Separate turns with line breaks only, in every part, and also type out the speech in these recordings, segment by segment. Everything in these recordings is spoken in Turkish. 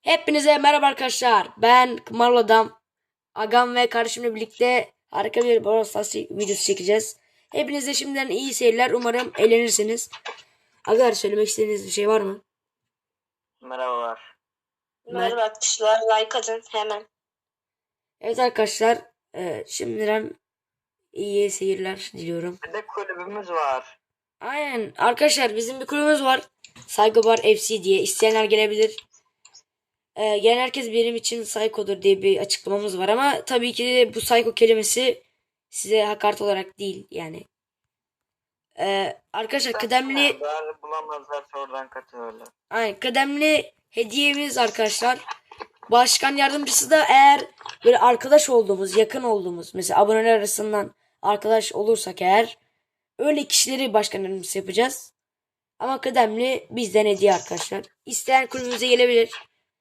Hepinize merhaba arkadaşlar. Ben Marul Adam. Agam ve kardeşimle birlikte harika bir Brawl Stars videosu çekeceğiz. Hepinize şimdiden iyi seyirler. Umarım eğlenirsiniz. Aga, söylemek istediğiniz bir şey var mı?
Merhabalar.
Merhaba arkadaşlar. Like atın hemen.
Evet arkadaşlar. Şimdiden iyi seyirler diliyorum.
Bir de kulübümüz var.
Aynen. Arkadaşlar bizim bir kulübümüz var. Saygıbar FC diye. İsteyenler gelebilir. Gelen herkes benim için psycho'dur diye bir açıklamamız var ama tabii ki de bu psycho kelimesi size hakaret olarak değil yani. Arkadaşlar kıdemli
Daha bulamazlarsa oradan katılırlar.
kıdemli hediyemiz arkadaşlar. Başkan yardımcısı da eğer böyle arkadaş olduğumuz, yakın olduğumuz mesela aboneler arasından arkadaş olursak eğer öyle kişileri başkan yardımcısı yapacağız. Ama kıdemli bizden hediye arkadaşlar. İsteyen kulübümüze gelebilir.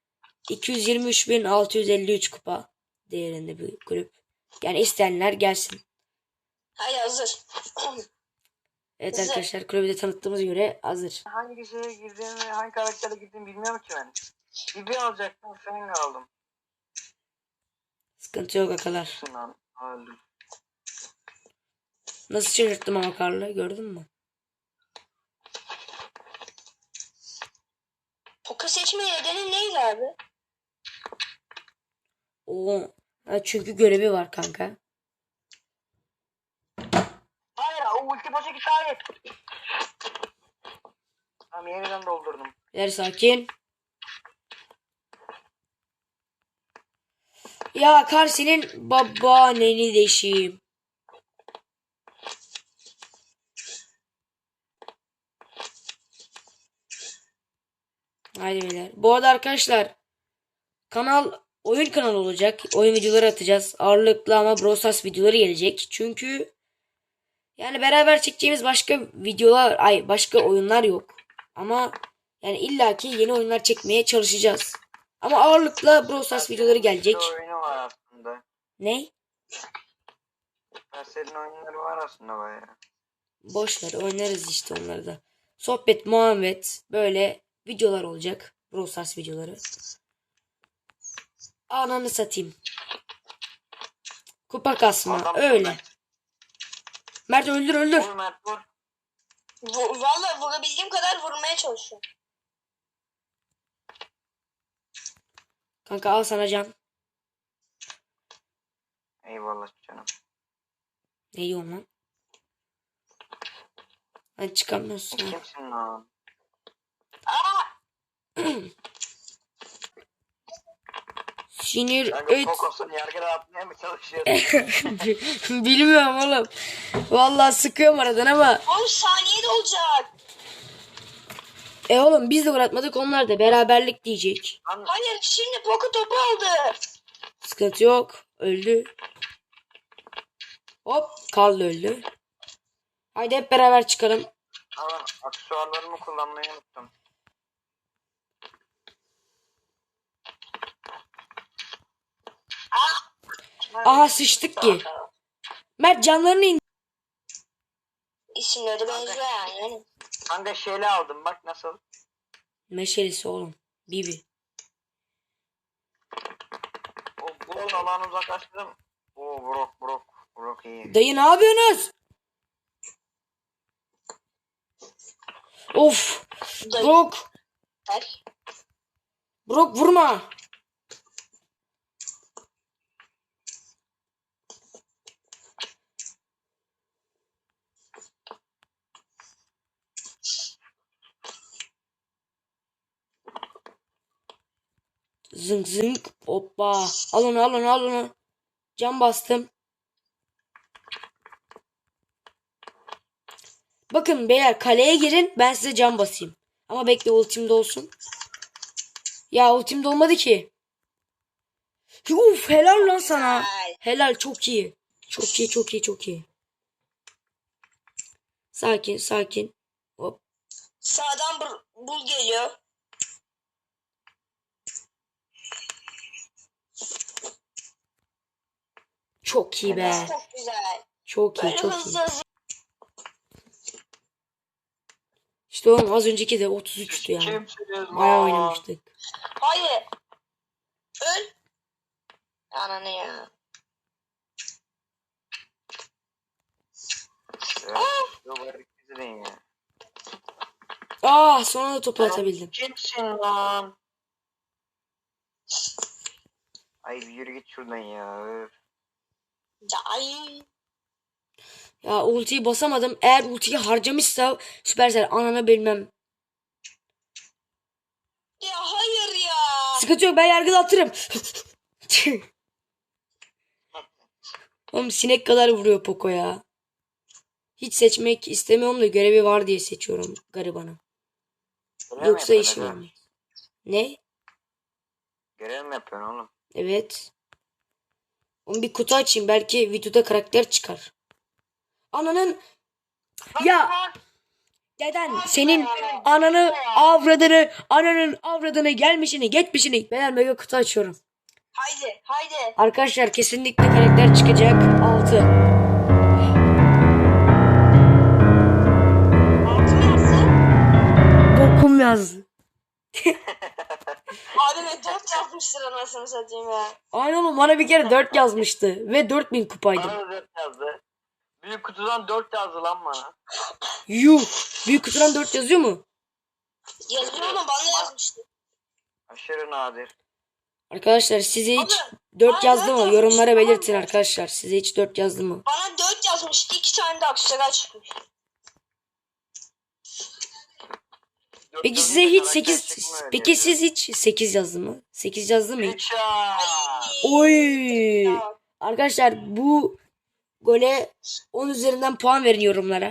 223.653 kupa değerinde bir kulüp. Yani isteyenler gelsin.
Hayır, hazır.
Evet
Güzel.
arkadaşlar, kulübü de tanıttığımız göre hazır.
Hangi şeye girdiğimi, hangi karaktere girdiğimi bilmiyorum ki ben. Bibi alacaktım, Feng aldım.
Sıkıntı yok akalar.
Sinan öldüm.
Nasıl şaşırttım ama Karlı, gördün mü?
Poka seçme nedeni neydi abi?
Oo, çünkü görevi var kanka.
Hayır, o ulti boşa gitti, hayır. Tamam, yeniden doldurdum.
Ver sakin. Ya Karsi'nin babaanneni deşeyim. Haydi beyler. Bu arada arkadaşlar kanal oyun kanalı olacak. Oyun videoları atacağız. Ağırlıklı ama Brawl Stars videoları gelecek. Çünkü yani beraber çekeceğimiz başka videolar, başka oyunlar yok. Ama yani illaki yeni oyunlar çekmeye çalışacağız. Ama ağırlıkla Brawl Stars videoları gelecek.
Bir oyunu var aslında.
Ne?
Senin oyunları var aslında bayağı.
Boşver, oynarız işte onları da. Sohbet, muhabbet, böyle videolar olacak. Brawl Stars videoları. Ananı satayım. Kupa kasma.
Adam
Öyle. Mert öldür.
Vur Mert, vur.
Vallahi vurabildiğim kadar vurmaya çalışıyorum.
Kanka al sana can.
Eyvallah canım.
Ne yiyorsun lan? Hani çıkamıyorsun.
Kimsin lan?
Sinir
Kanka
et.
Kokos'un yargıda atmaya mı çalışıyorsun?
Bilmiyorum oğlum. Vallahi sıkıyorum aradan ama.
10 saniye de olacak.
Oğlum biz de uğratmadık, onlar da beraberlik diyecek.
Hayır, şimdi Poka topu aldı.
Sıkıntı yok. Öldü. Hop, Karl öldü. Haydi hep beraber çıkalım.
Ama aksesuarlarımı kullanmayı unuttum.
Aha sıçtık ki. Mert canlarını in.
İsimleri benziyor yani.
Kanka şeyle aldım, bak nasıl.
Meşalesi oğlum. Bibi.
O bulun alanı uzaklaştırdım. Oo, Brock iyi.
Dayı ne yapıyorsunuz? Of. Brock. Brock vurma. Zınk zınk. Hoppa. Al onu. Can bastım. Bakın beyler, kaleye girin, ben size can basayım. Ama bekle, ultimde olsun. Ya ultimde olmadı ki. Uf, helal lan sana. Helal, çok iyi. Çok iyi. Sakin. Hop.
Sağdan bul geliyor.
Çok iyi be.
Çok güzel.
Çok iyi.
Böyle hızlı.
İşte oğlum az önceki de 33'tü yani.
Kimsiniz
Bayağı
lan?
oynamıştık.
Hayır. Ananı ya.
Duvarı izleyin ya.
Ah, sonra da topu atabildim.
Kimsin lan? Ay bir yürü git şuradan ya. Öf.
Ay.
Ya ultiyi basamadım. Eğer ultiyi harcamışsa Supercell ananı bilmem.
Ya hayır ya.
Sıkıntı yok, ben yargıda atırım. Oğlum sinek kadar vuruyor Poco ya. Hiç seçmek istemiyorum da görevi var diye seçiyorum garibanı.
Görev mi
Yoksa
yapıyorsun
işim
aga?
olmaz. Ne?
Görev mi yapıyorsun oğlum?
Evet. Oğlum bir kutu açayım, belki videoda karakter çıkar. Ananın ya deden senin ananın avradını gelmişini geçmişini. Ben mega kutu açıyorum.
Haydi haydi.
Arkadaşlar kesinlikle karakter çıkacak. 6.
Altın yazsın.
Bokum yazdı.
Abi ve 4 yazmıştır anasını satayım ya.
Aynen oğlum, bana bir kere 4 yazmıştı. Ve 4000 kupaydım.
Bana da 4 yazdı. Büyük kutudan 4 yazdı lan bana.
Yuh. Büyük kutudan 4 yazıyor mu?
Yazıyor oğlum bana yazmıştı.
Aşırı nadir.
Arkadaşlar size hiç
Abi,
4
bana
yazdı
dört
mı?
yazmış,
Yorumlara
tamam
belirtin
mı?
arkadaşlar. Size hiç 4 yazdı mı?
Bana 4 yazmıştı. 2 tane de aksesuar çıkmış.
Peki
Dört
size
yazınca
hiç
karakter
8
çıkmıyor
Peki
diye.
siz hiç 8 yazdı mı? 8 yazdı mı hiç?
Headshot.
Oy!
Ya,
Arkadaşlar bu gole 10 üzerinden puan verin yorumlara.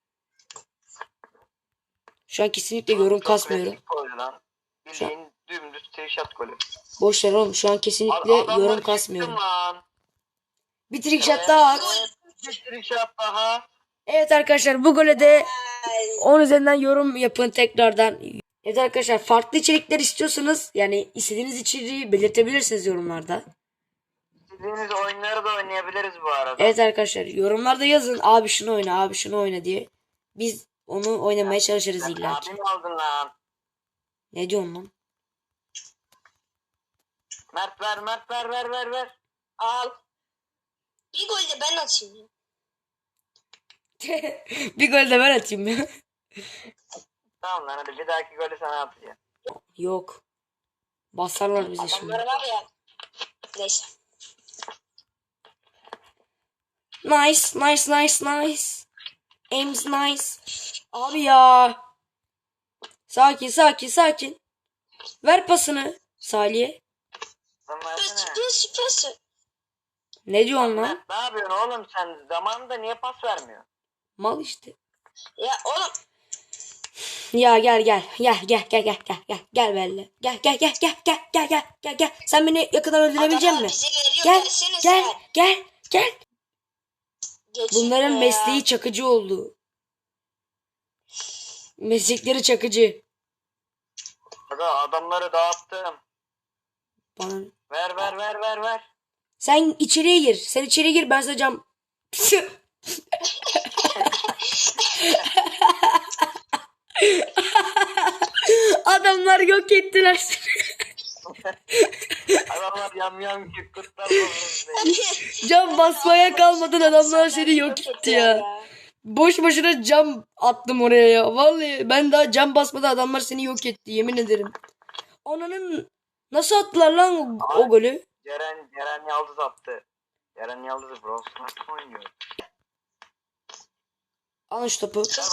Şu an kesinlikle yorum
Çok
kasmıyorum.
klasik gol lan. Bildiğin dümdüz trickshot golü.
Boş ver oğlum, şu an kesinlikle
Adamları
yorum
çıktım
kasmıyorum.
lan.
Bir trick shot daha at.
Bir trickshot daha.
Evet arkadaşlar, bu gole de 10 üzerinden yorum yapın tekrardan. Evet arkadaşlar, farklı içerikler istiyorsanız yani istediğiniz içeriği belirtebilirsiniz yorumlarda.
İstediğiniz oyunları da oynayabiliriz bu arada.
Evet arkadaşlar, yorumlarda yazın abi şunu oyna, abi şunu oyna diye. Biz onu oynamaya çalışırız
Sen
illa ki.
abim aldın lan.
Ne diyorsun lan?
Mert ver, Mert ver, ver.
al. Bir gol de ben atayım ya.
Bir gol de ben atayım ya.
Tamam lan, hadi bir dahaki golü sana atacağım.
Yok. Basarlar bizi şimdi.
Adamları var ya. Neyse.
Nice, nice, nice, nice. Aim's nice. Abi ya. Sakin, sakin, sakin. Ver pasını Salih'e.
Sen versene.
Süpersin.
Ne diyorsun lan?
Mert ne yapıyorsun oğlum sen? Zamanında niye pas vermiyor?
Mal işte.
Ya oğlum.
Ya gel gel. Gel benimle. Gel. Sen beni yakından öldürebilecek
Adamlar
misin?
bize veriyor.
Gel,
Gelsene
gel,
sen.
gel.
Geçin
Bunların
ya.
mesleği çakıcı oldu. Meslekleri çakıcı.
Aga adamları dağıttım.
Bana...
Ver.
Sen içeriye gir. Sen içeriye gir, ben sana cam... Adamlar yok ettiler seni.
Adamlar yam ki kurtlar bozuldu.
Cam basmaya kalmadın, adamlar seni yok etti ya. Boş boşuna cam attım oraya ya. Vallahi ben daha cam basmadan adamlar seni yok etti, yemin ederim. Ananın nasıl attılar lan o golü?
Ceren Yıldız attı. Ceren Yıldız bro. Smart oynuyor.
Al şu topu.
Hızlı.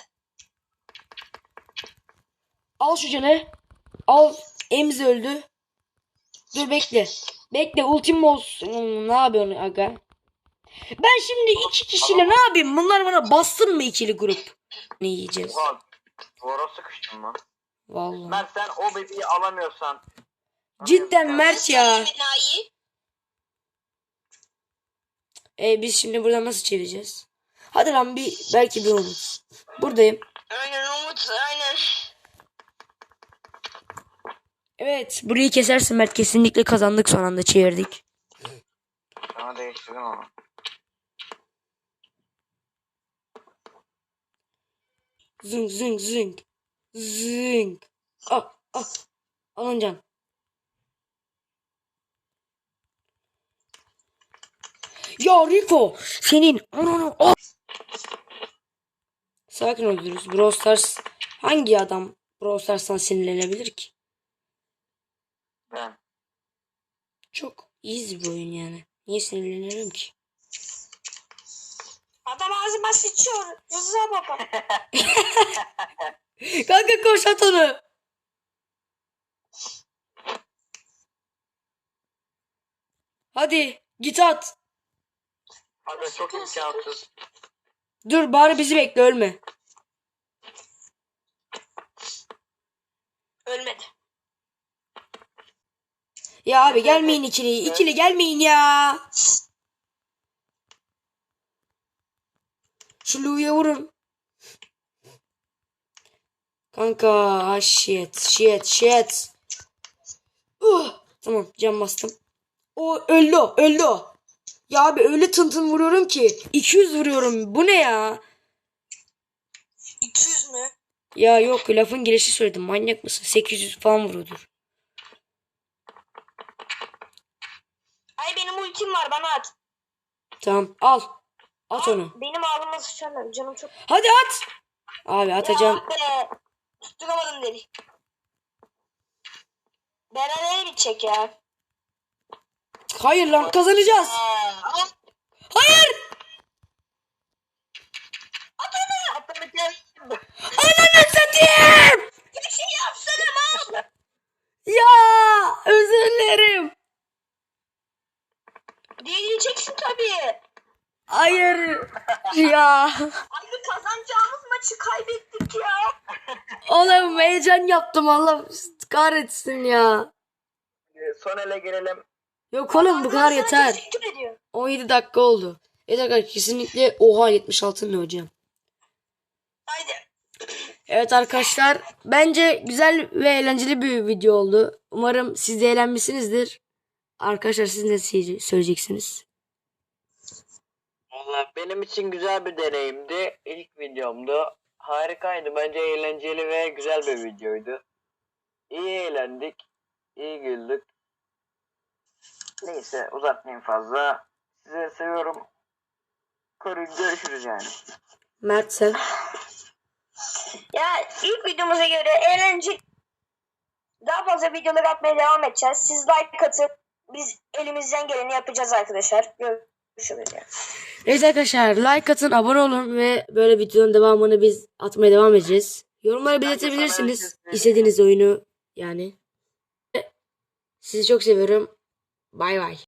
Al şu canı. Al. Emzi öldü. Dur bekle. Bekle, ultim olsun. Ne yapıyorsun aga? Ben şimdi 2 kişiyle ne yapayım? Bunlar bana bastın mı ikili grup? Ne yiyeceğiz?
Oha. Duvara sıkıştım lan.
Vallahi.
Mert sen o bebeği alamıyorsan.
Cidden Mert ya.
Enayi.
Biz şimdi buradan nasıl çevireceğiz? Hadi lan, belki bir umut. Buradayım.
Aynen Umut aynen.
Evet, burayı kesersin Mert, kesinlikle kazandık, son anda çevirdik.
Sana değiştirdim ama.
Zing. Ah. Alıncan. Ya Rico senin ananı al. Sakin oluyoruz. Brawl Stars hangi adam Brawl Stars'tan sinirlenebilir ki?
Ben.
Çok easy bir oyun yani. Niye sinirlenirim ki?
Adam ağzıma sıçıyor. Rıza baba.
Kanka koş at onu. Hadi git at.
Aga çok imkansız.
Dur bari bizi bekle ölme.
Ölmedi.
Ya abi gelmeyin ikili. İkili gelmeyin ya. Şu Lou'ya vurun. Kanka shit. Tamam can bastım. O öldü o. Ya abi öyle tın vuruyorum ki. 200 vuruyorum. Bu ne ya?
200 mü?
Ya yok lafın gelişi söyledim. Manyak mısın? 800 falan vuruyordur.
Ay benim ultim var bana at.
Tamam al. At onu.
Benim ağzıma sıçarlar canım çok.
Hadi at. Abi atacağım.
Ya be. Tutturamadım dedi. Berabere bitecek ya.
Hayır lan kazanacağız. Hayır.
Atlamak gel.
Ananı satayım.
Bir şey yapsana mal.
Ya özür dilerim.
Diyeceksin tabii.
Hayır. Ya.
Ay bu kazanacağımız maçı kaybettik ya.
Oğlum heyecan yaptım Allah kahretsin ya.
Son ele gelelim.
Yok oğlum bu kadar
Sana
yeter.
teşekkür ediyorum.
17 dakika oldu. Evet kesinlikle oha 76 ne hocam.
Haydi.
Evet arkadaşlar bence güzel ve eğlenceli bir video oldu. Umarım siz de eğlenmişsinizdir. Arkadaşlar siz ne söyleyeceksiniz?
Valla benim için güzel bir deneyimdi. İlk videomdu. Harikaydı. Bence eğlenceli ve güzel bir videoydu. İyi eğlendik. İyi güldük. Neyse uzatmayayım fazla. Sizi seviyorum. Koruyun görüşürüz yani.
Mert sen?
Ya ilk videomuza göre eğlenceli. Daha fazla videolar atmaya devam edeceğiz. Siz like atıp biz elimizden geleni yapacağız arkadaşlar. Görüşürüz ya.
Evet arkadaşlar like atın abone olun ve böyle videonun devamını biz atmaya devam edeceğiz. Yorumlara belirtebilirsiniz istediğiniz oyunu yani. Sizi çok seviyorum. Bay bay.